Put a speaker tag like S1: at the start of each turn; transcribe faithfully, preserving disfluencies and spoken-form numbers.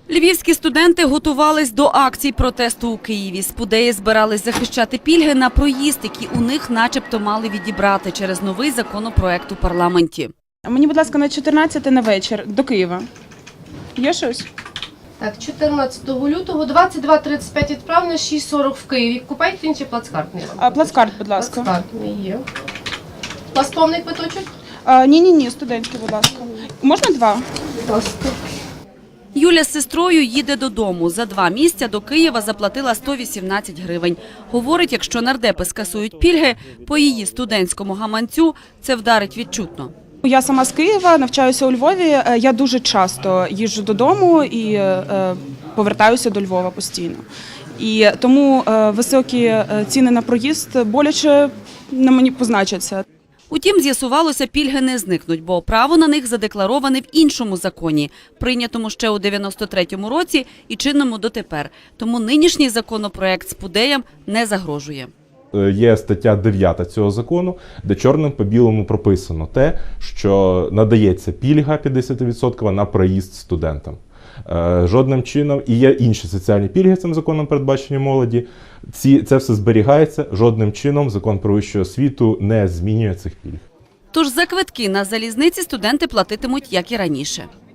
S1: Львівські студенти готувались до акцій протесту у Києві. Спудеї збирались захищати пільги на проїзд, які у них начебто мали відібрати через новий законопроект у парламенті.
S2: Мені, будь ласка, на чотирнадцяте на вечір до Києва. Є щось?
S3: Так, чотирнадцятого лютого, двадцять два тридцять п'ять відправлено, шість сорок в Києві. Купайте інші плацкартний.
S2: А, плацкарт, будь ласка.
S3: Плацкартний є. У вас повний квиточок?
S2: Ні-ні-ні, студентський, будь ласка. Можна два?
S3: Будь ласка.
S1: Юля з сестрою їде додому. За два місця до Києва заплатила сто вісімнадцять гривень. Говорить, якщо нардепи скасують пільги, по її студентському гаманцю це вдарить відчутно.
S2: Я сама з Києва, навчаюся у Львові. Я дуже часто їжджу додому і е, повертаюся до Львова постійно. І тому е, високі ціни на проїзд боляче на мені позначаться.
S1: Утім, з'ясувалося, пільги не зникнуть, бо право на них задеклароване в іншому законі, прийнятому ще у дев'яносто третьому році і чинному дотепер. Тому нинішній законопроект спудеям не загрожує.
S4: Є стаття дев'ята цього закону, де чорним по білому прописано те, що надається пільга п'ятдесят відсотків на проїзд студентам. Жодним чином, і є інші соціальні пільги цим законом передбачені молоді, ці, це все зберігається, жодним чином закон про вищу освіту не змінює цих пільг.
S1: Тож за квитки на залізниці студенти платитимуть, як і раніше.